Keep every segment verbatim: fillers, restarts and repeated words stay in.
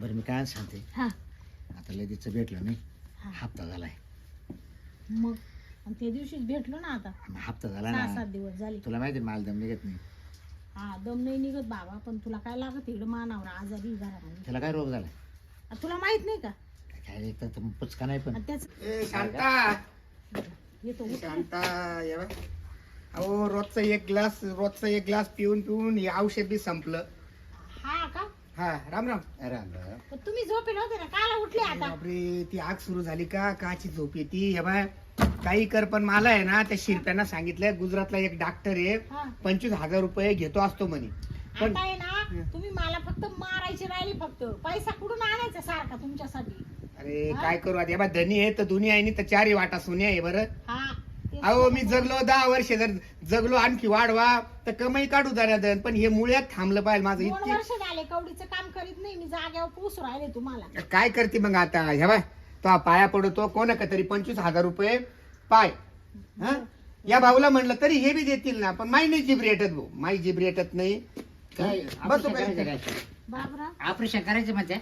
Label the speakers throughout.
Speaker 1: बरं मी काय सांगते
Speaker 2: हा
Speaker 1: आता लगेच भेटलं नाही
Speaker 2: हा.
Speaker 1: हप्ता झालाय
Speaker 2: मग आणि त्या दिवशीच भेटलो ना आता
Speaker 1: हप्ता झाला
Speaker 2: सहा
Speaker 1: ना
Speaker 2: सात दिवस झाले.
Speaker 1: तुला माहिती आहे माल दम निघत नाही
Speaker 2: हा दम नाही निघत बाबा पण तुला काय लागत इकडं मानावर आजारी घरामध्ये
Speaker 1: त्याला काय रोग झालाय
Speaker 2: आ, तुला माहित नाही का
Speaker 1: काय एक तर पुचका नाही पण
Speaker 2: आणि त्याच
Speaker 3: ए शांता
Speaker 2: येतो उठ.
Speaker 3: शांता ये बघ. अहो रोजचा एक ग्लास रोजचा एक ग्लास पिऊन पिऊन हे औषध बी संपलं.
Speaker 2: हा का
Speaker 3: हा राम राम.
Speaker 1: अरे राम.
Speaker 2: पण तुम्ही झोपेल होते ना काला उठले आता
Speaker 3: बापरे ती आग सुरू झाली का काची झोप येते हे बाय काही कर पण मला आहे ना त्या शिरप्यांना सांगितलंय गुजरातला एक डॉक्टर आहे
Speaker 2: हा.
Speaker 3: पंचवीस हजार रुपये घेतो असतो म्हणे पण
Speaker 2: आता आहे ना तुम्ही मला फक्त मारायची राहिली फक्त पैसा कुठून आणायचा सारखा तुमच्यासाठी
Speaker 3: अरे
Speaker 2: हा?
Speaker 3: काय करू आता हे बा धनी आहे तर दुनिया आहे तर चारही वाटा सोन्या आहे बरं.
Speaker 2: हा तेच
Speaker 3: अहो
Speaker 2: तर
Speaker 3: मी
Speaker 2: म्हणते.
Speaker 3: जगलो दहा वर्ष जर जगलो आणखी वाढवा तर कमाई काढू दन पण हे मुळ्यात थांबलं पाहिजे माझं
Speaker 2: दोन
Speaker 3: इतकी
Speaker 2: वर्ष झाले कवडीचं काम करीत नाही मी जाग्यावर पोस राहिले तुम्हाला
Speaker 3: काय करते मग आता हे बाय तो पाया पडतो कोण का तरी पंचवीस हजार रुपये पाय हा या भाऊला म्हणलं तरी हे बी देतील ना पण माई नाही जीभ रेटत भाऊ माई जीभ रेटत नाही
Speaker 1: काय
Speaker 3: बस
Speaker 1: ऑपरेशन करायचं काय
Speaker 2: बाबरा
Speaker 1: ऑपरेशन करायचं म्हणते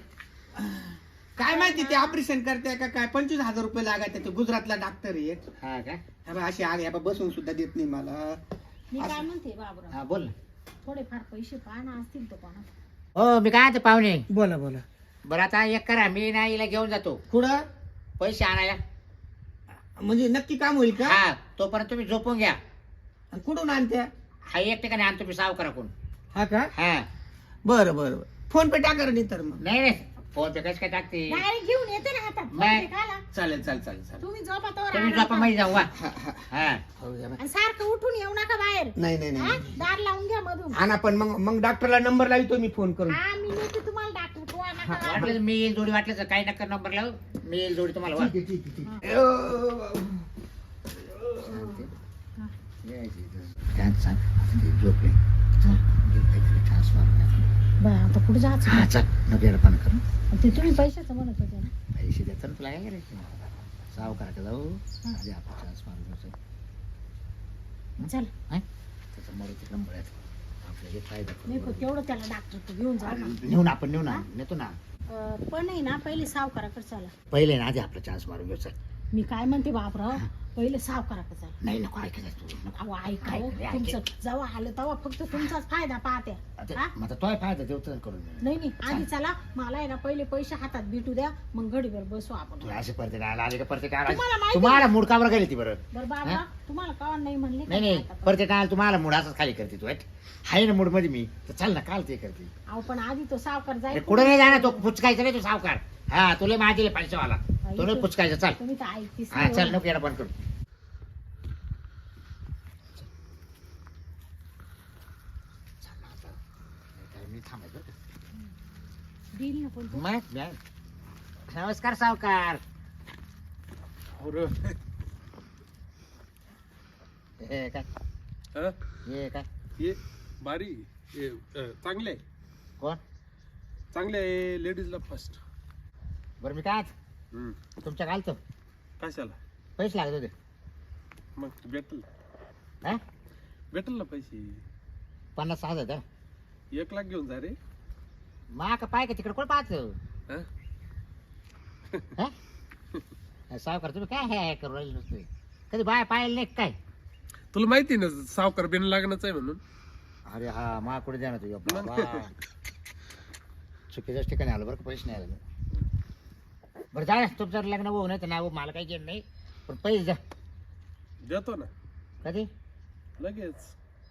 Speaker 3: काय माहिती ते ऑपरेशन करते का काय पंचवीस हजार रुपये लागायचे ते गुजरातला डॉक्टर आहे
Speaker 1: हा का
Speaker 3: हे बघ, अशी आग हे बघ, बसून सुद्धा देत नाही मला
Speaker 2: मी काय म्हणते बाबरा
Speaker 1: हा बोल ना
Speaker 2: थोडेफार पैसे पाहणं असतील तर कोणा
Speaker 1: हो मी काय ते पाहुणे
Speaker 3: बोला बोला
Speaker 1: बरं आता एक करा मी ना हिला घेऊन जातो
Speaker 3: कुठं
Speaker 1: पैसे आणायला
Speaker 3: म्हणजे नक्की काम होईल का
Speaker 1: हा तोपर्यंत तुम्ही झोपून घ्या
Speaker 3: आणि कुठून आणत्या
Speaker 1: हा एक ठिकाणी आणतो मी सावकारा कोण
Speaker 3: हा का
Speaker 1: हा
Speaker 3: बरं बरं बरं फोन पे टाका रे नाही तर मग
Speaker 1: नाही रे फोन पे कसं काय टाकते
Speaker 2: डायरेक्ट घेऊन येते ना हातात
Speaker 1: नाही.
Speaker 2: फोन पे खाला.
Speaker 3: चालेल चालेल चालेल चालेल
Speaker 2: तुम्ही झोपा तोवर
Speaker 1: तुम्ही
Speaker 2: आराम
Speaker 1: झोपा
Speaker 2: करा.
Speaker 1: मध्ये जाऊ वा
Speaker 3: हा, हा.
Speaker 1: हा
Speaker 3: हो, या बाय.
Speaker 2: आणि सारखं उठून येऊ नका बाहेर
Speaker 3: नाही नाही
Speaker 2: हा?
Speaker 3: नाही
Speaker 2: दार लावून घ्या मधून
Speaker 3: आणा पण मग मग डॉक्टरला नंबर लावतो मी फोन करून
Speaker 2: हा मी नेते तुम्हाला डॉक्टर कोणा नका लावू.
Speaker 1: वाटलं तर मी येईल जोडी वाटलं तर काही नका नंबर लावू मी येईल जोडी तुम्हाला वा.
Speaker 3: ठीक आहे ठीक आहे ठीक आहे अं,
Speaker 1: काय सांग झोपले
Speaker 2: बा आता कुठे जायचं
Speaker 1: हा चल नको येडपान करू
Speaker 2: ते तुम्ही पैशाचं म्हणत होते ना
Speaker 1: पैसे देतात ना तुला काय करायचं सावकाराकडे जाऊ आधी आपण चान्स मारून घ्यायचं
Speaker 2: चल
Speaker 1: हाय त्याचा मरे तिकडं मळ्यात आपल्याला जे फायदा
Speaker 2: नाही पण तेवढं त्याला डॉक्टर घेऊन जा ना
Speaker 1: नेऊ ना आपण नेऊ ना नेतो ना
Speaker 2: अं, पण आहे ना पहिले सावकाराकडे चला
Speaker 1: पहिले ना आधी आपला चान्स मारून घेऊ चल
Speaker 2: मी काय म्हणते बापराव पहिले सावकाराकडे चला
Speaker 1: नाही नको ऐकायचं तू नको
Speaker 2: अहो ऐका हो,
Speaker 1: ऐक, ऐक.
Speaker 2: तुमचं जेव्हा आलं तेव्हा फक्त तुमचाच फायदा पाहते
Speaker 1: आता
Speaker 2: हा?
Speaker 1: मग आता तोय फायदा देवतं करून दे.
Speaker 2: नाही नाही आधी चला मला आहे ना पहिले पैसे हातात भेटू द्या मग घडीवर बसू आपण
Speaker 1: तू असे परत आला आले का परत आला
Speaker 2: तुम्हाला माहिती-
Speaker 1: तुम्हाला मूड कावर गेली ती बरं
Speaker 2: बरं बाबा
Speaker 1: हा?
Speaker 2: तुम्हाला का नाही म्हणले
Speaker 1: नाही नाही
Speaker 2: का?
Speaker 1: परत आला तुम्हाला मूड असंच खाली करते तू वाईट आहे ना मूड मध्ये मी तर चल ना काल ते करते
Speaker 2: अहो पण आधी तो सावकार
Speaker 1: अरे
Speaker 2: जाईल
Speaker 1: कुठं नाही जाणार तो पुचकायचा नाही तो सावकार हा तुला माझे पैशावाला तो नाही पुचकायचा चल
Speaker 2: तुम्ही तर ऐकतीस
Speaker 1: हा चल नको येणं बंद करू चल ना आता. काय मी थांबायचं बरं का?
Speaker 2: देईल ना पण तो.
Speaker 1: मग मॅम. नमस्कार सावकार हे काय
Speaker 4: हा?
Speaker 1: हे काय
Speaker 4: हे बारी हे, अ, चांगले आहे
Speaker 1: कोण
Speaker 4: चांगले आहे लेडीजला फर्स्ट
Speaker 1: बरं मी काय तुमच्या घालतो
Speaker 4: कशाला
Speaker 1: पैसे लागत होते
Speaker 4: मग भेटल
Speaker 1: हा
Speaker 4: भेटल ना पैसे
Speaker 1: पन्नास सहा हजार
Speaker 4: एक लाख घेऊन जा रे
Speaker 1: मा का पाय का तिकडे कोण पाहतो
Speaker 4: हा?
Speaker 1: हा? सावकार तुम्ही काय हे करू राहिले नुसते कधी बाय पाहिलं नाही का काय
Speaker 4: तुला माहिती ना सावकार बिन लागणच आहे म्हणून
Speaker 1: अरे हा मा कुठे द्या ना तुझ्या बाबा चुकीच्याच ठिकाणी आलो बरं का पैसे नाही आले बरं जा तुमचं लग्न होऊ नाही तर नाही हो, मला काही घेणं नाही पण पैसे द्या
Speaker 4: देतो ना
Speaker 1: कधी
Speaker 4: लगेच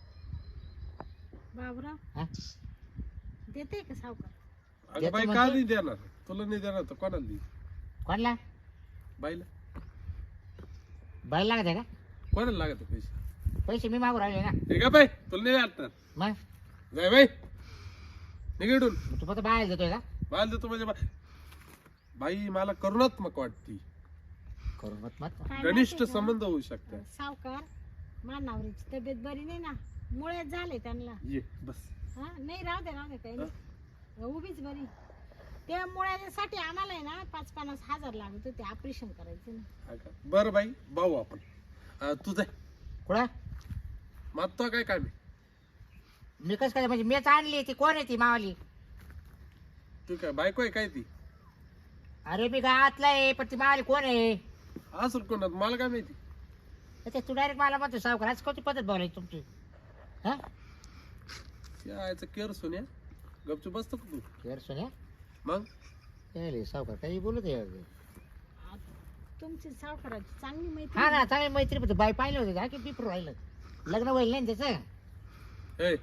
Speaker 2: बाबराव
Speaker 1: हा
Speaker 2: देते का सावकार
Speaker 4: अगं
Speaker 1: देतो
Speaker 4: बाई का
Speaker 1: म्हणतो.
Speaker 4: नाही देणार तुला नाही देणार तर कोणाला दे
Speaker 1: कोणला
Speaker 4: बाईला
Speaker 1: बायला लागत आहे का
Speaker 4: कोणाला लागत आहे पैसे
Speaker 1: पैसे मी मागू राहिले ना
Speaker 4: हे का बाई तुला नाही वाटणार
Speaker 1: मग
Speaker 4: जाय बाई निघडून
Speaker 1: मग तू फक्त बाहेर देतोय का
Speaker 4: बाल देतो म्हणजे बा- बाई मला करुणात्मक वाटती
Speaker 1: करून मत मत
Speaker 2: काय
Speaker 4: घनिष्ठ
Speaker 2: माहिती का?
Speaker 4: संबंध होऊ शकतात
Speaker 2: सावकार मानावरीची तब्येत बरी नाही ना मुळेच झाले त्यांना
Speaker 4: ये बस
Speaker 2: हा नाही राहू दे राहू दे काही नाही उभीच बरी त्या मुळ्यासाठी आम्हाला आहे ना पाच पन्नास हजार लागत होते ऑपरेशन करायचं ना
Speaker 4: हा का? बरं बाई भाऊ आपण अं, तू जाय
Speaker 1: कुठं
Speaker 4: मागतो काय काय मी
Speaker 1: मी कसं काय म्हणजे मीच आणली ती कोण आहे ती मावाली
Speaker 4: तू काय बायको आहे काय ती?
Speaker 1: अरे मी गावातला आहे पण ती मावाली कोण आहे?
Speaker 4: असं कोणात मला काय माहिती.
Speaker 1: ते तू डायरेक्ट मला म्हणतो सावकार आज कोणती पद्धत बोलायची तुमची? हा
Speaker 4: यायचं केअर सोन्या गपचूप बसतो का तू?
Speaker 1: केअर सोन्या
Speaker 4: मग
Speaker 1: काय सावकार काही बोलत आहे?
Speaker 2: तुमची सावकाराची चांगली माहिती
Speaker 1: हा ना चांगली मैत्री पण बाई पाहिलं होतं का की पिपर राहिलं लग्न व्हायला नाही ना त्याचं.
Speaker 4: ए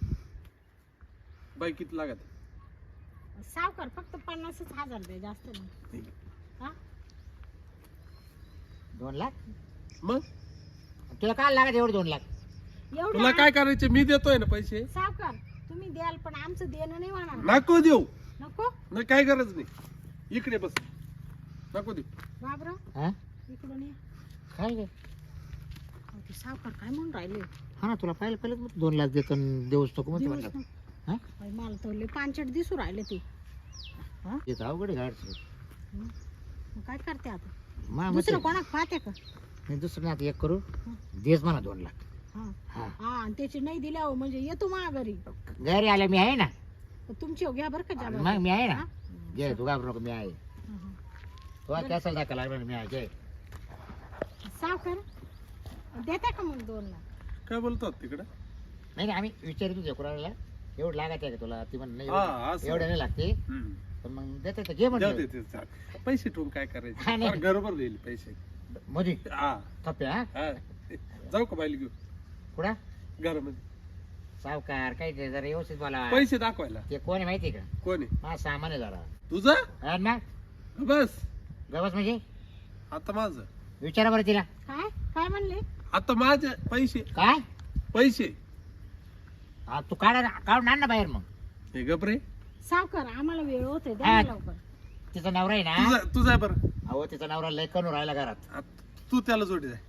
Speaker 4: बाई किती लागत?
Speaker 2: सावकार फक्त पन्नासच हजार द्या, जास्त नाही. हा?
Speaker 1: दोन लाख
Speaker 4: मग
Speaker 1: तुला काय लागत एवढे दोन लाख?
Speaker 4: तुला
Speaker 2: एवढं
Speaker 4: काय करायचे? मी देतोय ना पैसे.
Speaker 2: सावकार तुम्ही द्याल पण आमचं देणं नाही होणार.
Speaker 4: नको देऊ.
Speaker 2: नको
Speaker 4: नाही काय गरज नाही. इकडे बस. नको देऊ.
Speaker 2: बाबराव
Speaker 1: हा
Speaker 2: इकडून ये.
Speaker 1: काय गे
Speaker 2: अहो, ते सावकार काय म्हणून राहिले?
Speaker 1: हा ना तुला पाहिलं पहिलं दोन लाख देतो आणि देऊच नको म्हणतो
Speaker 2: दिवस
Speaker 1: म्हणलं.
Speaker 2: ना.
Speaker 1: हा
Speaker 2: बाई, मला तर लय पांचट दिसू राहिले ते. हा?
Speaker 1: येतं अवघड आहे गाडचं.
Speaker 2: हं. मग काय करते आता?
Speaker 1: मा
Speaker 2: दुसरं कोणाक पाहते का?
Speaker 1: नाही दुसरं नाही आता एक करू देस म्हणा दोन लाख.
Speaker 2: हा
Speaker 1: हा
Speaker 2: हा आणि त्याची नाही दिल्या हो म्हणजे येतो मा घरी.
Speaker 1: घरी आल्या मी आहे ना.
Speaker 2: तर तुमची हो घ्या बरं का जाबा.
Speaker 1: मग मी आहे ना.
Speaker 2: हा?
Speaker 1: घे तू घाबरू नको मी आहे.
Speaker 2: हा, हा.
Speaker 1: तो कॅसल दाखवा लागला ना मी आहे घे.
Speaker 2: सावकार देता का मग दोन लाख?
Speaker 4: काय बोलतात तिकडं?
Speaker 1: नाही नाही आम्ही विचारित होतो कुणाला एवढं लागत आहे का तुला ती म्हण नाही
Speaker 4: हा,
Speaker 1: एवढं-
Speaker 4: असं.
Speaker 1: एवढं नाही लागते
Speaker 4: हम्म.
Speaker 1: पण मग देते तर घे
Speaker 4: जाऊ
Speaker 1: म्हणलं
Speaker 4: दे ते चाल. पैसे ठेवून काय
Speaker 1: हा,
Speaker 4: करायचं?
Speaker 1: नाही.
Speaker 4: फार गडबड होईल पैसे.
Speaker 1: मोदी
Speaker 4: हा
Speaker 1: थप्पे हा
Speaker 4: हा. जाऊ का बाईला घेऊ
Speaker 1: कुठं
Speaker 4: घरामध्ये?
Speaker 1: सावकार काही ते जरा व्यवस्थित बोला.
Speaker 4: पैसे दाखवायला.
Speaker 1: ते कोण आहे माहिती आहे का?
Speaker 4: कोण आहे?
Speaker 1: माझा सामान आहे जरा
Speaker 4: तुझं?
Speaker 1: हा ना
Speaker 4: बस
Speaker 1: गवस म्हणजे
Speaker 4: आता माझं.
Speaker 1: विचारा बरं तिला
Speaker 2: काय काय म्हणले?
Speaker 4: आता माझे पैसे
Speaker 1: काय
Speaker 4: पैसे
Speaker 1: हा, तू काढा काढून आण ना बाहेर मग.
Speaker 4: हे गपरे.
Speaker 2: सावकार आम्हाला वेळ होते द्या
Speaker 1: हा.
Speaker 2: ना लवकर.
Speaker 1: तिचा नवरा आहे ना
Speaker 4: तुझा तुझा आहे बरं.
Speaker 1: अहो तिचा नवरा लय करून राहिला घरात
Speaker 4: आता तू त्याला जोडी जाय.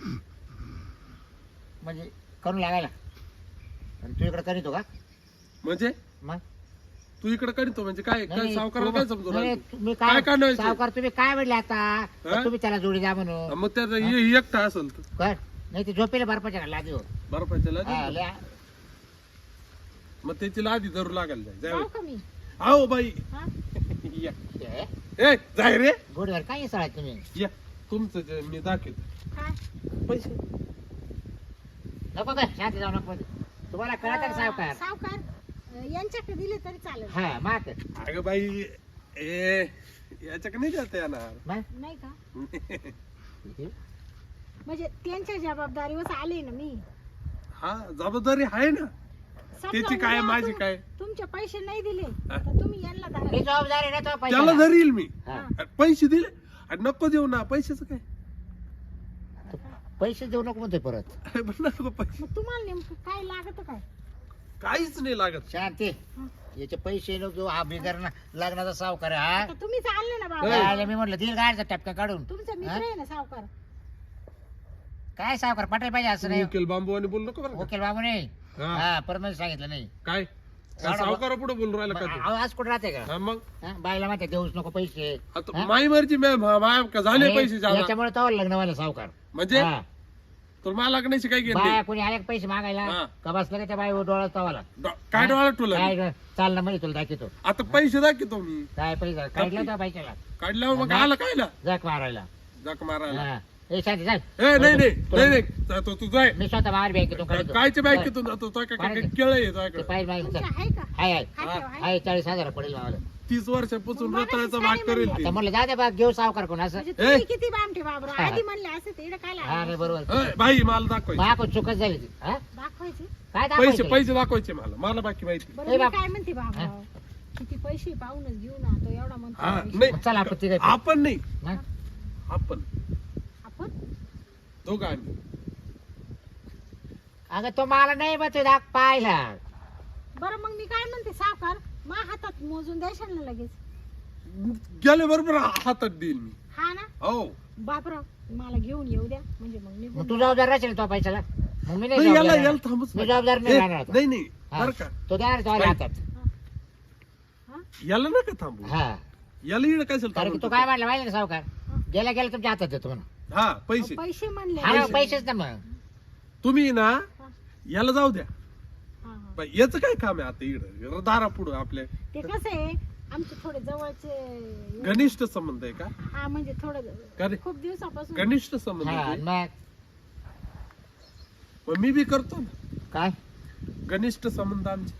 Speaker 1: म्हणजे करून लागायला आणि तू इकडे करीतो का
Speaker 4: म्हणजे
Speaker 1: मग
Speaker 4: तू इकडे करीतो म्हणजे काय काय
Speaker 1: नाही,
Speaker 4: सावकाराला
Speaker 1: तू-
Speaker 4: काय समजू
Speaker 1: नाही,
Speaker 4: राहिला तू?
Speaker 1: तुम्ही
Speaker 4: काय
Speaker 1: काय
Speaker 4: काढायचं?
Speaker 1: सावकार तुम्ही काय म्हणले आता
Speaker 4: हा?
Speaker 1: तुम्ही त्याला जोडी द्या म्हणून
Speaker 4: मग त्याचा हे एकटा असेल तर
Speaker 1: कर नाही ते झोपेला बर्फाच्या लादी हो
Speaker 4: बर्फाच्या
Speaker 1: हा,
Speaker 4: लादी.
Speaker 1: लय-
Speaker 4: मग त्याची लादी धरू लागायला जाय
Speaker 2: जाऊ
Speaker 4: जाय.
Speaker 2: का मी?
Speaker 4: आओ बाई
Speaker 2: हा?
Speaker 4: या.
Speaker 1: हे,
Speaker 4: ए जाय रे
Speaker 1: गोडीवर काय सळा तुम्ही
Speaker 4: या. तुमचं जे मी दाखवतो
Speaker 2: काय?
Speaker 4: पैसे.
Speaker 1: नको काय शांत जाऊ नको तुम्हाला कळत का सावकार
Speaker 2: सावकार अं, यांच्याकडे दिले तरी चालेल.
Speaker 1: हा मात
Speaker 4: अगं बाई ए याच्या नाही जाता येणार.
Speaker 2: नाही का? म्हणजे त्यांच्या जबाबदारीवर आले ना मी.
Speaker 4: हा जबाबदारी आहे ना.
Speaker 2: समजा
Speaker 4: त्याची काय
Speaker 2: उद्या
Speaker 4: माझी
Speaker 2: तुम-
Speaker 4: काय
Speaker 2: तुमचे पैसे नाही दिले
Speaker 4: हा.
Speaker 2: तर तुम्ही यांना
Speaker 1: मी
Speaker 2: धरा.
Speaker 1: जबाबदारी ना तो
Speaker 4: त्याला
Speaker 1: पैशाला.
Speaker 4: धरील मी.
Speaker 1: हा.
Speaker 4: आणि पैसे दिले आणि नको देऊ ना पैशाचं काय.
Speaker 1: पैसे देऊ नको म्हणतोय परत
Speaker 4: अरे पण नको पैसे
Speaker 2: मग तुम्हाला नेमकं काय लागत काय?
Speaker 4: काहीच नाही लागत.
Speaker 1: शांती
Speaker 2: हा.
Speaker 1: याचे पैसे नको हा बिगर ना लग्नाचा सावकार आहे, हा
Speaker 2: आता तुम्हीच आणले ना
Speaker 4: ए.
Speaker 2: बाबा.
Speaker 1: काय मी म्हटलं दिल गाडचा टपका काढून
Speaker 2: तुमचा मित्र आहे ना सावकार.
Speaker 1: काय सावकार पटायला पाहिजे असं नाही
Speaker 4: वकील बांबू आणि बोलू नको बरं का?
Speaker 1: वकील बाबू नाही
Speaker 4: हा.
Speaker 1: हा परत सांगितलं नाही
Speaker 4: काय
Speaker 1: सावकार-
Speaker 4: सावकार पुढे बोलून राहिला का
Speaker 1: मग
Speaker 4: तू?
Speaker 1: अहो, आज कुठे राहते का
Speaker 4: हा मग
Speaker 1: हा, बाईला माहिती आहे, देऊच नको पैसे
Speaker 4: आता
Speaker 1: हा?
Speaker 4: माई मर्जी मॅ- मा- मा- का झाले
Speaker 1: आणि
Speaker 4: पैसे जादा.
Speaker 1: याच्यामुळे तो लग्न व्हायला सावकार
Speaker 4: म्हणजे
Speaker 1: हा.
Speaker 4: तर मला लागण्याची काय घेत
Speaker 1: बाया
Speaker 4: नाही.
Speaker 1: कोणी आले का पैसे मागायला
Speaker 4: हा.
Speaker 1: का बसलं का त्या बाई डोळा तवाला
Speaker 4: डॉ- काय डोळा तुला
Speaker 1: काय ग, चाल ना म्हणजे तुला दाखवतो
Speaker 4: आता पैसे दाखवतो मी
Speaker 1: काय पैसा काढला त्या बाईच्याला
Speaker 4: काढल्यावर मग
Speaker 1: नाही.
Speaker 4: आला कायला
Speaker 1: जग मारायला
Speaker 4: जक मारायला.
Speaker 1: हा. ए शांती चाल
Speaker 4: ए नाही नाही
Speaker 1: तुला-
Speaker 4: नाही नाही जातो तू जाय.
Speaker 1: मी स्वतः बाहेर बँकेतून काढतो
Speaker 4: कायच्या बँकेतून जातो तो काय काय केळ आहे
Speaker 1: ते
Speaker 4: तुझ्याकडे?
Speaker 1: पाहिजे माहिती
Speaker 2: तुमच्या आहे का?
Speaker 1: हाय हाय
Speaker 2: हा, ठेवा, आहे.
Speaker 1: हाय चाळीस हजार पडेल मावाला
Speaker 4: तीस वर्षापासून
Speaker 2: मग मला
Speaker 4: रताळ्याचा
Speaker 2: काय
Speaker 4: भाग करेल
Speaker 2: म्हणले?
Speaker 4: ती.
Speaker 1: आता म्हणलं जा दे बा घेऊ सावकार कोण असं
Speaker 2: म्हणजे तुम्ही किती बामठे बाबरा.
Speaker 1: हा.
Speaker 2: आधी म्हणले असं ते इकडे काय
Speaker 1: हा नाही
Speaker 2: लागलं?
Speaker 1: बरोबर
Speaker 4: ए, बाई मला दाखवायचे
Speaker 1: मा कोण चुकच झाली ती हा?
Speaker 2: दाखवायचे.
Speaker 1: काय
Speaker 4: पैसे
Speaker 1: दाखवायचं
Speaker 4: पैसे दाखवायचे मला मला बाकी माहिती.
Speaker 2: बरं
Speaker 1: ए
Speaker 2: मी
Speaker 1: बाप.
Speaker 2: काय म्हणते बाबा किती पैसे पाहूनच घेऊ ना तो एवढा म्हणतो
Speaker 4: हा
Speaker 2: पैसे.
Speaker 4: नाही
Speaker 1: चल आपण तिघं
Speaker 4: आपण नाही
Speaker 1: हा?
Speaker 4: आपण
Speaker 2: आपण
Speaker 4: दोघं आम्ही.
Speaker 1: अगं तो मला नाही बघ दाख पाहिला
Speaker 2: बरं मग मी काय म्हणते सावकार मा हातात मोजून द्यायचं ना लगेच.
Speaker 4: गेले बरोबर हातात देईल मी.
Speaker 2: हा ना
Speaker 4: हो
Speaker 2: बापराव मला घेऊन येऊ द्या म्हणजे मग
Speaker 1: मग
Speaker 2: निघून
Speaker 1: तू जबाबदार राहशील तो पैशाला मग मी नाही
Speaker 4: नाही याला
Speaker 1: जबाबदार
Speaker 4: याला
Speaker 1: राहणार.
Speaker 4: थांबच
Speaker 1: मी जबाबदार नाही
Speaker 4: ए,
Speaker 1: राहणार आता.
Speaker 4: नाही नाही
Speaker 1: हा.
Speaker 4: बरं का
Speaker 1: तो द्या रे तो
Speaker 4: बाई.
Speaker 1: हातात
Speaker 2: हा?
Speaker 4: याला नका थांबू.
Speaker 1: हा
Speaker 4: याला इकडे काय
Speaker 1: कारण की तो काय म्हणला माहिती ना सावकार गेला गेला तुमच्या हातात देतो म्हणा
Speaker 4: हा पैसे
Speaker 2: पैसे म्हणले
Speaker 1: हा पैसेच ना मग
Speaker 4: तुम्ही ना
Speaker 2: हा.
Speaker 4: याला जाऊ द्या.
Speaker 2: हा, हा.
Speaker 4: बाई, याचं काय काम आहे आता इकडे दारा पुढं आपल्या.
Speaker 2: ते कसं आहे आमचे थोडे जवळचे
Speaker 4: घनिष्ठ संबंध आहे का?
Speaker 2: हा म्हणजे
Speaker 4: का
Speaker 2: थोडं
Speaker 4: रे?
Speaker 2: खूप दिवसापासून
Speaker 4: घनिष्ठ संबंध
Speaker 3: हा,
Speaker 4: आहे?
Speaker 3: मग
Speaker 4: मग मी बी करतो ना
Speaker 3: काय
Speaker 4: घनिष्ठ संबंध आमचे.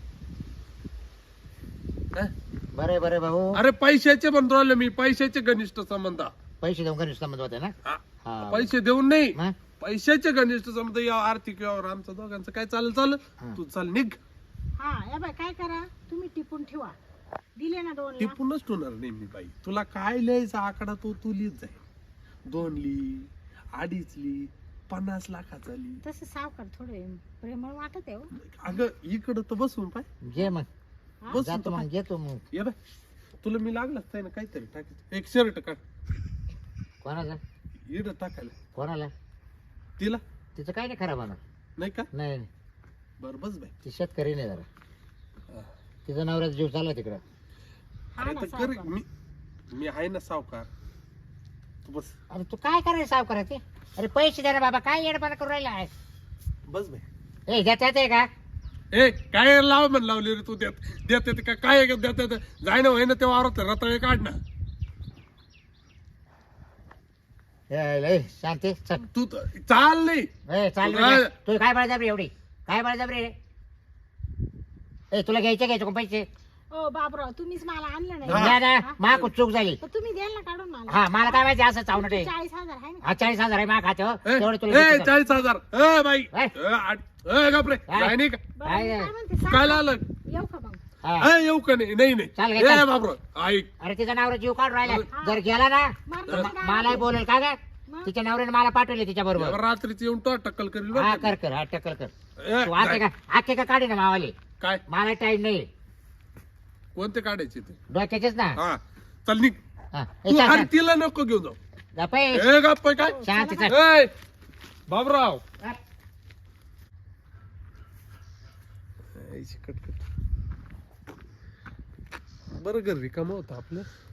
Speaker 4: हा?
Speaker 3: बरे बरे भाऊ
Speaker 4: अरे पैशाचे म्हणतो राहिलो मी, पैशाचे घनिष्ठ संबंध.
Speaker 3: पैसे देऊन घरी संबंध होते ना
Speaker 4: हा.
Speaker 3: हा.
Speaker 4: पैसे देऊन नाही,
Speaker 3: मग?
Speaker 4: पैशाचे घनिष्ठ संबंध या आर्थिक व्यवहार आमचं दोघांचं काय चालेल चालेल.
Speaker 3: हा.
Speaker 4: तू चाल निघ.
Speaker 2: हा या बाय काय करा तुम्ही टिपून ठेवा. दिले ना दोन लाख
Speaker 4: टिपूनच ठेवणार नाही मी बाई. तुला काय लिहायचा आकडा तो तू लिहित जाईल. दोन ली, अडीच ली, पन्नास लाखाचा ली.
Speaker 2: तसं सावकार थोडे प्रेमळ वाटत आहे हो.
Speaker 4: अगं इकडं तर बसून पाय.
Speaker 3: घे मग
Speaker 2: हा?
Speaker 4: बसून
Speaker 3: जातो
Speaker 4: तर
Speaker 3: मग
Speaker 4: पाय.
Speaker 3: घेतो मग
Speaker 4: ये बाय, तुला मी लागलाच नाही ना काहीतरी टाकायचं. एक शर्ट काढ
Speaker 3: कोणाला
Speaker 4: इड टाकायला.
Speaker 3: कोणाला
Speaker 4: तिला
Speaker 3: तिचं काय नाही खराब होणार
Speaker 4: नाही का?
Speaker 3: नाही नाही.
Speaker 4: बर बस बाई.
Speaker 3: ती शेतकरी नाही जरा
Speaker 4: हा.
Speaker 3: तिचा नवऱ्याचा जीव चालला तिकडं
Speaker 2: हा
Speaker 4: अरे
Speaker 2: ना,
Speaker 4: तर कर
Speaker 2: सावकार.
Speaker 4: मी मी आहे ना सावकार. तू बस
Speaker 3: अरे तू काय करायचं साव करायचे अरे पैसे द्या रे बाबा काय येडपणा करून राहिला आहे
Speaker 4: बस बाई.
Speaker 3: ए देता येते का
Speaker 4: ए काय लाव म्हण लावली रे तू देत देत येते का काय देत येते जाय ना होय ना तेव्हा वावरात रताळे काढ ना.
Speaker 3: ए, लय शांती चल
Speaker 4: तू तर- चाल नाही.
Speaker 3: ए चाल
Speaker 4: तुला-
Speaker 3: रे. तू काय बळजबरी एवढी काय बळजबरी रे ए तुला घ्यायचे घ्यायचे का पैसे
Speaker 2: ओ बाबराव तुम्हीच मला आणलं नाही
Speaker 4: हा.
Speaker 3: द्या ना
Speaker 2: हा?
Speaker 3: मा खूप चूक झाली
Speaker 2: तर तुम्ही द्याल ना काढून मला
Speaker 3: हा मला काय माहिती असं चावणं ते
Speaker 2: चाळीस हजार आहे ना
Speaker 3: हा चाळीस हजार आहे मा खाते हो
Speaker 4: ए,
Speaker 3: तेवढे तुला
Speaker 4: ए,
Speaker 3: देतो.
Speaker 4: चाळीस हजार ए बाई
Speaker 3: ए.
Speaker 4: ए, आठ- ए, गपरे
Speaker 3: काय?
Speaker 4: काय नाही का?
Speaker 2: बरं,
Speaker 3: काय
Speaker 2: मी
Speaker 3: आहे?
Speaker 2: काय म्हणते
Speaker 4: काय
Speaker 2: सावकार,
Speaker 4: आलं
Speaker 2: येऊ का मग
Speaker 3: हा.
Speaker 4: ए, येऊ का नाही नाही
Speaker 3: चाल
Speaker 4: नाही
Speaker 3: घे,
Speaker 4: ए
Speaker 3: चाल.
Speaker 4: बाबर ऐक
Speaker 3: अरे तिचा नवरा जीव काढून राहिला
Speaker 2: हा.
Speaker 3: जर गेला ना
Speaker 2: मारणार
Speaker 3: तर
Speaker 2: नाही का?
Speaker 3: मलाही बोलेल का ग
Speaker 2: मग?
Speaker 3: तिच्या नवऱ्याने मला पाठवले तिच्या बरोबर
Speaker 4: रात्रीच येऊन तो टक्कल करील बरं
Speaker 3: हा
Speaker 4: का?
Speaker 3: कर कर हा टक्कल कर
Speaker 4: ए,
Speaker 3: तू आखे का आखे का काढे ना मावाले
Speaker 4: काय
Speaker 3: मला टाइम नाही
Speaker 4: कोणते काढायचे ते?
Speaker 3: डोक्याचेच ना
Speaker 4: हा चल निघ.
Speaker 3: हा. ए,
Speaker 4: तू
Speaker 3: चाल,
Speaker 4: अरे
Speaker 3: चाल.
Speaker 4: तिला नको घेऊन जाऊ.
Speaker 3: गप्प आहे.
Speaker 4: ए गप्प आहे काय
Speaker 3: शांती चाल.
Speaker 4: ए बाबराव
Speaker 3: हा.
Speaker 4: ऐशी कटकट बरं घर रिकामं होतं आपलं.